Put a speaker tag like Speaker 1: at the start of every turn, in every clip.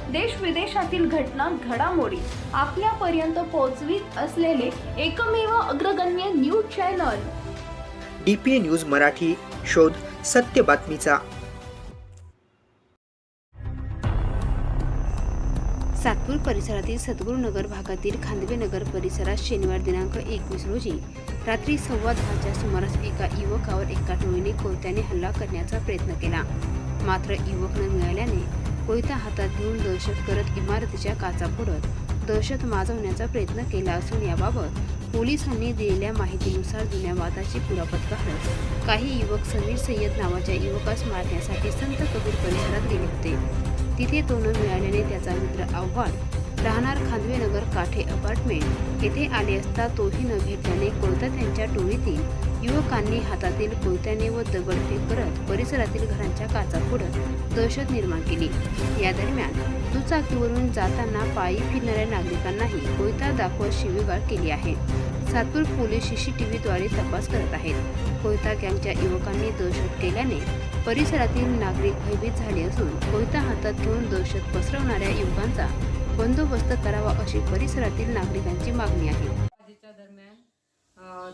Speaker 1: देश विदेशातील घटना घडामोडी आपल्यापर्यंत पोहोचवित असलेले एकमेव अग्रगण्य news channel
Speaker 2: DPA news Marathi. शोध सत्य बातमीचा.
Speaker 3: सातपूर परिसरातील सद्गुरुनगर भागातील खांदवेनगर परिसरात शनिवार दिनांक 21 रोजी रात्री 10:15च्या सुमारास एका युवकावर एका टोळीने कोयत्याने हल्ला करण्याचा प्रयत्न केला. मात्र युवक न मिळाल्याने कोयता हातात घेऊन दहशत करत इमारतीच्या काचा फोडत दहशत माजवण्याचा प्रयत्न केला असून याबाबत पोलिसांनी दिलेल्या माहितीनुसार जुन्या वादाची कुरापत काढत काही युवक समीर सय्यद नावाच्या युवकास मारण्यासाठी संत कबीर परिसरात गेले होते. तिथे तो न मिळाल्याने त्याचा मित्र आव्हाड राहणार खांदवेनगर काठे अपार्टमेंट येथे आले असता तोही न भेटल्याने कोयता त्यांच्या टोळीतील युवकांनी हातातील कोयत्याने व दगडफेक करत परिसरातील घरांच्या काचा फोडत दहशत निर्माण केली. या दरम्यान दुचाकीवरून जाताना पायी फिरणाऱ्या नागरिकांनाही कोयता दाखवत शिवीगाळ केली आहे. सातपूर पोलीस CCTVद्वारे तपास करत आहेत. कोयता गँगच्या युवकांनी दहशत केल्याने परिसरातील नागरिक भयभीत झाले असून कोयता हातात घेऊन दहशत पसरवणाऱ्या युवकांचा बंदोबस्त करावा अशी परिसरातील नागरिकांची मागणी आहे.
Speaker 4: दरम्यान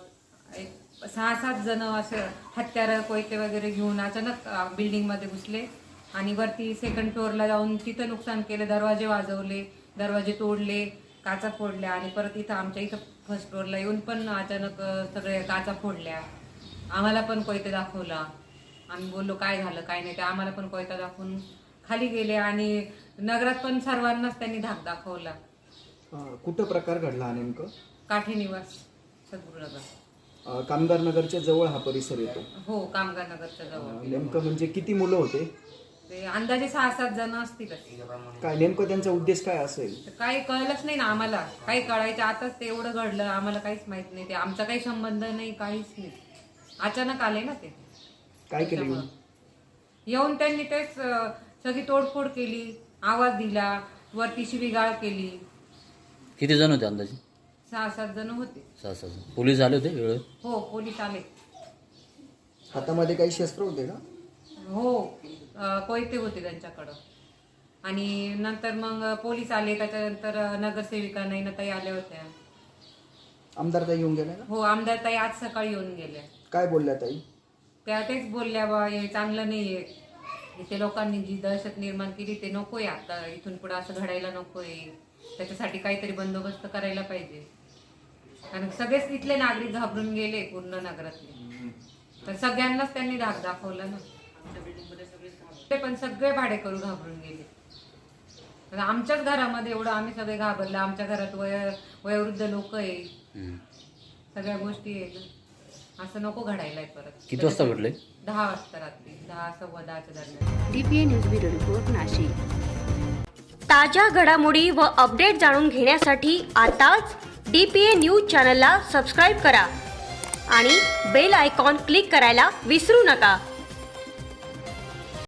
Speaker 4: 6-7 जण असे हत्यारं कोयते वगैरे घेऊन अचानक बिल्डिंग मध्ये घुसले आणि वरती सेकंड फ्लोअरला जाऊन तिथं नुकसान केलं. दरवाजे वाजवले, दरवाजे तोडले, काचा फोडल्या आणि परत इथं आमच्या इथं फर्स्ट फ्लोअरला येऊन पण अचानक सगळे काचा फोडल्या. आम्हाला पण कोयते दाखवला. आम्ही बोललो काय झालं काय नाही, ते आम्हाला पण कोयता दाखवून खाली गेले आणि नगरात पण सर्वांनाच त्यांनी धाक दाखवला.
Speaker 5: कुठं प्रकार घडला नेमकं?
Speaker 4: काठे निवास सद्गुरुनगर.
Speaker 5: कामगार नगरच्या जवळ हा परिसर येतो.
Speaker 4: हो, कामगार नगरच्या जवळ.
Speaker 5: नेमकं म्हणजे किती मुलं होते?
Speaker 4: ते अंदाजे 6-7 जण असतीलच.
Speaker 5: काय नेमकं त्यांचा उद्देश काय असेल?
Speaker 4: काही कळलंच नाही ना आम्हाला. काही कळायचं आताच ते एवढं घडलं, आम्हाला काहीच माहित नाही. ते आमचा काही संबंध नाही, काहीच नाही. अचानक आले ना ते.
Speaker 5: काय केलं
Speaker 4: येऊन त्यांनी तेच सगळी तोडफोड केली, आवाज दिला, वरती शिवीगाळ केली.
Speaker 6: किती जण होते अंदाजे?
Speaker 4: 6-7 जण होते.
Speaker 6: 6-7 जण. पोलीस आले होते वेळेवर?
Speaker 4: हो, पोलीस आले.
Speaker 5: हातामध्ये काही शस्त्र होते का?
Speaker 4: हो, कोयते होते त्यांच्याकडं. आणि नंतर मग पोलीस आले. त्याच्यानंतर नगरसेविका नैनाताई आल्या होत्या.
Speaker 5: आमदार ताई येऊन गेल्या का?
Speaker 4: हो, आमदार ताई आज सकाळी येऊन गेल्या.
Speaker 5: काय बोलल्या ताई?
Speaker 4: त्या तेच बोलल्या बा हे चांगलं नाहीये. इथे लोकांनी जी दहशत निर्माण केली ते नकोय. आता इथून पुढे असं घडायला नकोय. त्याच्यासाठी काहीतरी बंदोबस्त करायला पाहिजे. कारण सगळेच इथले नागरिक घाबरून गेले पूर्ण नगरातले. तर सगळ्यांनाच त्यांनी धाक दाखवला ना. ते पण सगळे भाडेकरू घाबरून गेले. आमच्याच घरामध्ये एवढं आम्ही सगळे घाबरले. आमच्या घरात वयोवृद्ध लोक आहे, सगळ्या गोष्टी आहेत. असं नको घडायलाय परत.
Speaker 6: किती वाजता घडले?
Speaker 4: 10 वाजता रात्री 10-10:15च्या दरम्यान.
Speaker 3: DPA news bureau report Nashik.
Speaker 7: ताज्या घडामोडी व अपडेट जाणून घेण्यासाठी आताच DPA न्यूज चॅनलला सबस्क्राईब करा आणि बेल आयकॉन क्लिक करायला विसरू नका.